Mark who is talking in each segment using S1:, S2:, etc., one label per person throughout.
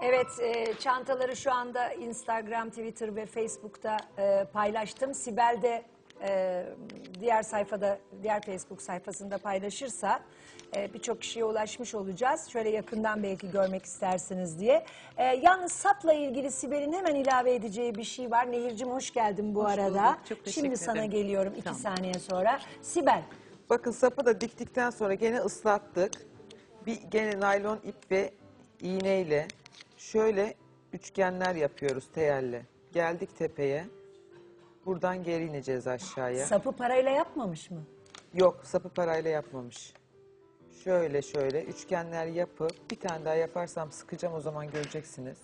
S1: Evet, çantaları şu anda Instagram, Twitter ve Facebook'ta paylaştım. Sibel de diğer sayfada, diğer Facebook sayfasında paylaşırsa birçok kişiye ulaşmış olacağız. Şöyle yakından belki görmek istersiniz diye. Yalnız sapla ilgili Sibel'in hemen ilave edeceği bir şey var. Nehir'cim hoş geldin bu arada.
S2: Bulduk, çok teşekkür
S1: Şimdi sana
S2: ederim.
S1: geliyorum 2
S2: Tamam.
S1: saniye sonra. Sibel.
S3: Bakın sapı da diktikten sonra gene ıslattık. Gene naylon ip ve iğneyle şöyle üçgenler yapıyoruz teyelle. Geldik tepeye. Buradan geri ineceğiz aşağıya.
S1: Sapı parayla yapmamış mı?
S3: Yok, sapı parayla yapmamış. Şöyle şöyle üçgenler yapıp bir tane daha yaparsam sıkacağım, o zaman göreceksiniz.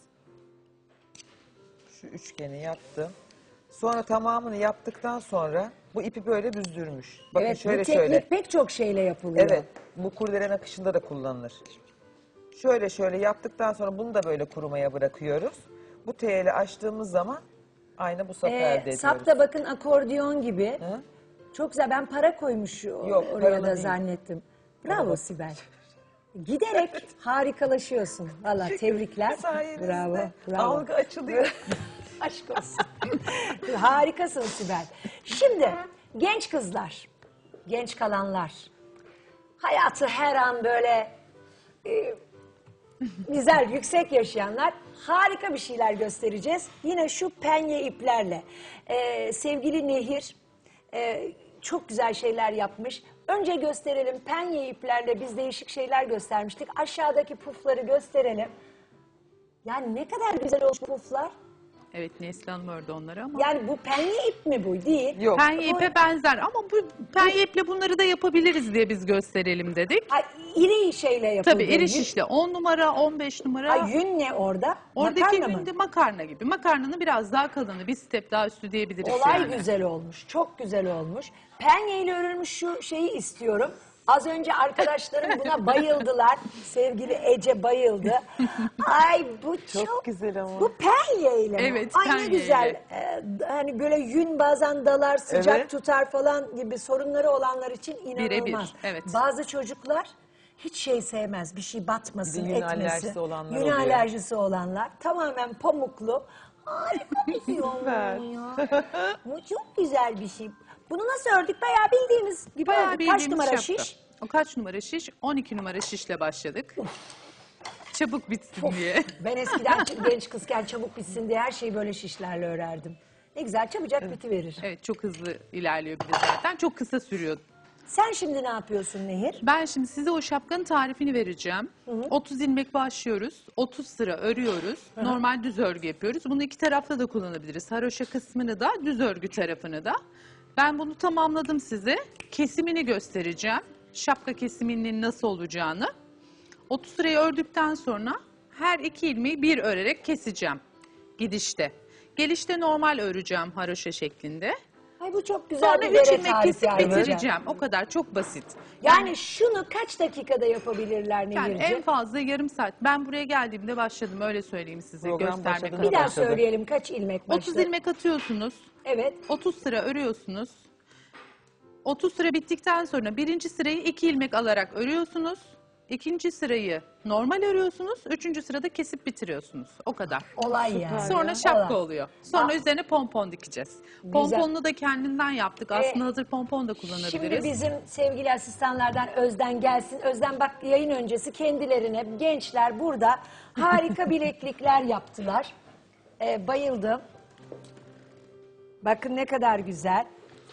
S3: Şu üçgeni yaptım. Sonra tamamını yaptıktan sonra bu ipi böyle büzdürmüş. Bakın
S1: Evet,
S3: şöyle
S1: bu teknik
S3: şöyle.
S1: pek çok şeyle yapılıyor.
S3: Evet, bu kurdelen akışında da kullanılır. Şöyle şöyle yaptıktan sonra bunu da böyle kurumaya bırakıyoruz. Bu teyeli açtığımız zaman aynı bu sapı elde ediyoruz.
S1: Sap da bakın akordiyon gibi.
S3: Hı?
S1: Çok güzel. Ben para koymuş
S3: Yok,
S1: oraya
S3: paralı
S1: da
S3: değil.
S1: zannettim. Bravo
S3: Paralı.
S1: Sibel. Giderek harikalaşıyorsun. Valla tebrikler.
S3: Sayenizde
S1: Bravo. Bravo.
S3: algı açılıyor.
S1: Aşk olsun. Harikasın Sibel. Şimdi genç kızlar, genç kalanlar, hayatı her an böyle güzel, yüksek yaşayanlar, harika bir şeyler göstereceğiz. Yine şu penye iplerle. Sevgili Nehir çok güzel şeyler yapmış. Önce gösterelim, penye iplerle biz değişik şeyler göstermiştik. Aşağıdaki pufları gösterelim. Yani ne kadar güzel olmuş puflar.
S2: Evet, Neslihan ördü onları ama.
S1: Yani bu penye ip mi bu? Değil.
S3: Yok.
S2: Penye ipe benzer ama bu penye iple bunları da yapabiliriz diye biz gösterelim dedik.
S1: Ha, iri şeyle yapıldı.
S2: Tabii iri şişle 10 numara, 15 numara.
S1: Ha, yün ne orada?
S2: Oradaki
S1: Makarna mı?
S2: yün de makarna gibi. Makarnanın biraz daha kalını, bir step daha üstü diyebiliriz
S1: Olay
S2: yani.
S1: güzel olmuş. Çok güzel olmuş. Penye ile örülmüş şu şeyi istiyorum. Az önce arkadaşlarım buna bayıldılar. Sevgili Ece bayıldı. Ay bu çok
S3: güzel ama.
S1: Bu penye ile mi?
S2: Evet,
S1: Ay ne
S2: penye
S1: güzel.
S2: ile.
S1: Hani böyle yün bazen dalar, sıcak
S3: Evet.
S1: tutar falan gibi sorunları olanlar için inanılmaz.
S2: Birebir, evet.
S1: Bazı çocuklar hiç şey sevmez. Bir şey batmasın,
S3: Bir de yün
S1: etmesin.
S3: alerjisi olanlar
S1: Yün
S3: oluyor.
S1: alerjisi olanlar. Tamamen pamuklu. Harika bir şey olmuş
S3: Süper.
S1: ya. Bu çok güzel bir şey. Bunu nasıl ördük? Bayağı bildiğimiz gibi
S2: Bayağı
S1: ördük.
S2: bildiğimiz
S1: Kaç numara
S2: şapka.
S1: şiş?
S2: O kaç numara şiş? 12 numara şişle başladık. Çabuk bitsin diye.
S1: Ben eskiden genç kızken çabuk bitsin diye her şeyi böyle şişlerle örerdim. Ne güzel çabucak bitiverir.
S2: Evet, çok hızlı ilerliyor bir de zaten. Çok kısa sürüyor.
S1: Sen şimdi ne yapıyorsun Nehir?
S2: Ben şimdi size o şapkanın tarifini vereceğim. 30 ilmek başlıyoruz. 30 sıra örüyoruz. Normal düz örgü yapıyoruz. Bunu iki tarafta da kullanabiliriz. Haroşa kısmını da, düz örgü tarafını da. Ben bunu tamamladım size. Kesimini göstereceğim. Şapka kesiminin nasıl olacağını. 30 sırayı ördükten sonra her iki ilmeği bir örerek keseceğim. Gidişte. Gelişte normal öreceğim haroşa şeklinde.
S1: Ay bu çok güzel
S2: Sonra
S1: bir
S2: 3
S1: bere
S2: ilmek
S1: tarifi
S2: kesip
S1: ayrıca.
S2: bitireceğim. O kadar, çok basit.
S1: Yani şunu kaç dakikada yapabilirler
S2: Yani
S1: Nehir'ciğim?
S2: en fazla yarım saat. Ben buraya geldiğimde başladım, öyle söyleyeyim size,
S3: Program
S2: göstermek
S3: başladı.
S2: adına.
S1: Bir daha
S3: başladı.
S1: söyleyelim kaç ilmek başladı?
S2: 30 ilmek atıyorsunuz.
S1: Evet.
S2: 30 sıra örüyorsunuz. 30 sıra bittikten sonra birinci sırayı 2 ilmek alarak örüyorsunuz. İkinci sırayı normal örüyorsunuz. Üçüncü sırada kesip bitiriyorsunuz. O kadar.
S1: Olay yani.
S2: Sonra şapka
S1: Olay.
S2: oluyor. Sonra
S1: Ah.
S2: üzerine pompon dikeceğiz. Pomponunu da kendinden yaptık. Aslında hazır pompon da kullanabiliriz.
S1: Şimdi bizim sevgili asistanlardan Özden gelsin. Özden bak yayın öncesi kendilerine gençler burada harika bileklikler yaptılar. Bayıldım. Bakın ne kadar güzel.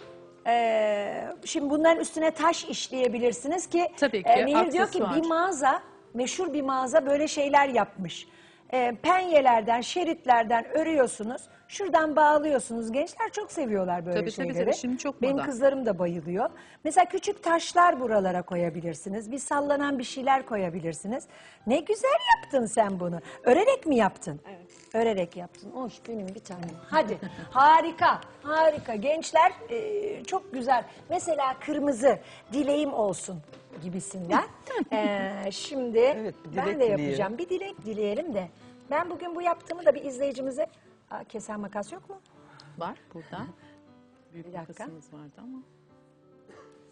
S1: Şimdi bunların üstüne taş işleyebilirsiniz ki.
S2: Tabii ki,
S1: Nehir diyor ki
S2: aksesuar.
S1: bir mağaza, meşhur bir mağaza böyle şeyler yapmış. Penyelerden, şeritlerden örüyorsunuz. Şuradan bağlıyorsunuz. Gençler çok seviyorlar böyle
S2: Tabii, tabii,
S1: şeyleri.
S2: tabii. Şimdi çok
S1: Benim
S2: moda.
S1: kızlarım da bayılıyor. Mesela küçük taşlar buralara koyabilirsiniz. Bir sallanan bir şeyler koyabilirsiniz. Ne güzel yaptın sen bunu. Örerek mi yaptın? Evet. Örerek yaptın. Hoş benim bir tanem. Hadi. Harika. Harika. Gençler çok güzel. Mesela kırmızı dileğim olsun gibisinden. Şimdi
S3: Evet, bir
S1: ben
S3: dilek
S1: de
S3: dileyelim.
S1: yapacağım. Bir dilek dileyelim de. Ben bugün bu yaptığımı da bir izleyicimize... Aa, kesen makas yok mu?
S2: Var burada. Büyük
S1: Bir dakika.
S2: makasımız vardı ama.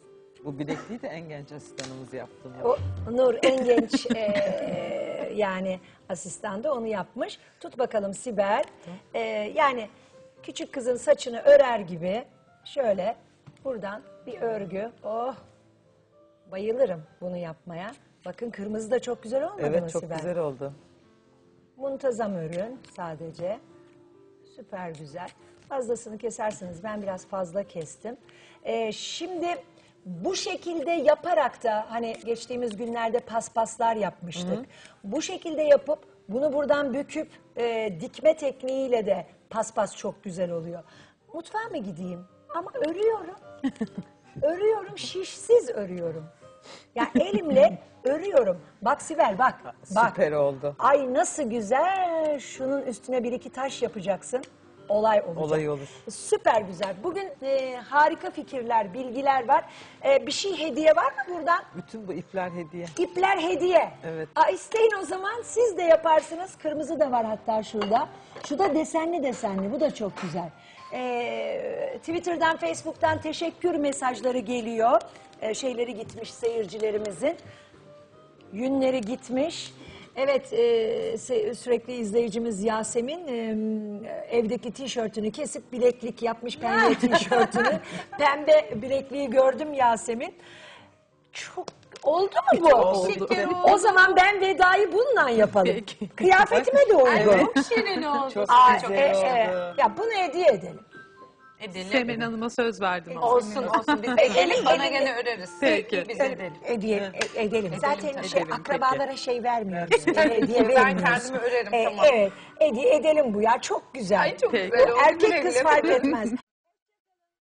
S3: Bu bilekliği de en genç asistanımız yaptı.
S1: O Nur en genç yani asistan da onu yapmış. Tut bakalım Sibel. Yani küçük kızın saçını örer gibi şöyle buradan bir örgü. Oh, bayılırım bunu yapmaya. Bakın kırmızı da çok güzel olmadı mı
S3: Evet, çok
S1: Sibel?
S3: güzel oldu.
S1: Muntazam ürün sadece. Süper güzel. Fazlasını kesersiniz. Ben biraz fazla kestim. Şimdi bu şekilde yaparak da hani geçtiğimiz günlerde paspaslar yapmıştık. Bu şekilde yapıp bunu buradan büküp dikme tekniğiyle de paspas çok güzel oluyor. Mutfağa mı gideyim? Ama örüyorum. Örüyorum, şişsiz örüyorum. Ya elimle örüyorum. Bak Sibel bak. Bak.
S3: Süper oldu.
S1: Ay nasıl güzel. Şunun üstüne bir iki taş yapacaksın. Olay olacak.
S3: Olay olur.
S1: Süper güzel. Bugün harika fikirler, bilgiler var. Bir şey hediye var mı buradan?
S3: Bütün bu ipler hediye.
S1: İpler hediye.
S3: Evet.
S1: İsteyin o zaman siz de yaparsınız. Kırmızı da var hatta şurada. Şu da desenli desenli. Bu da çok güzel. Twitter'dan, Facebook'tan teşekkür mesajları geliyor. Şeyleri gitmiş seyircilerimizin. Yünleri gitmiş. Evet, sürekli izleyicimiz Yasemin evdeki tişörtünü kesip bileklik yapmış pembe tişörtünü. Pembe bilekliği gördüm Yasemin. Çok oldu mu bu?
S3: Oldu.
S1: O zaman ben vedayı bununla yapalım.
S2: Peki.
S1: Kıyafetime de uygun.
S4: Çok şirin oldu.
S3: Çok
S1: Aa,
S3: güzel oldu.
S1: ya bunu hediye edelim.
S4: Edelim.
S2: Semen Hanım'a söz verdim ama.
S4: Olsun olsun. Biz edelim bana gene öreriz.
S2: Peki.
S4: Biz edelim.
S1: Edelim. Zaten
S2: edelim,
S1: akrabalara şey vermiyoruz. Hediye
S4: Ben
S1: vermiyoruz.
S4: kendimi örerim, tamam.
S1: Evet. Edelim bu ya. Çok güzel.
S4: Ay çok
S2: Peki.
S4: güzel oldu.
S1: Erkek
S4: Güle
S1: kız
S4: güle.
S1: fark etmez.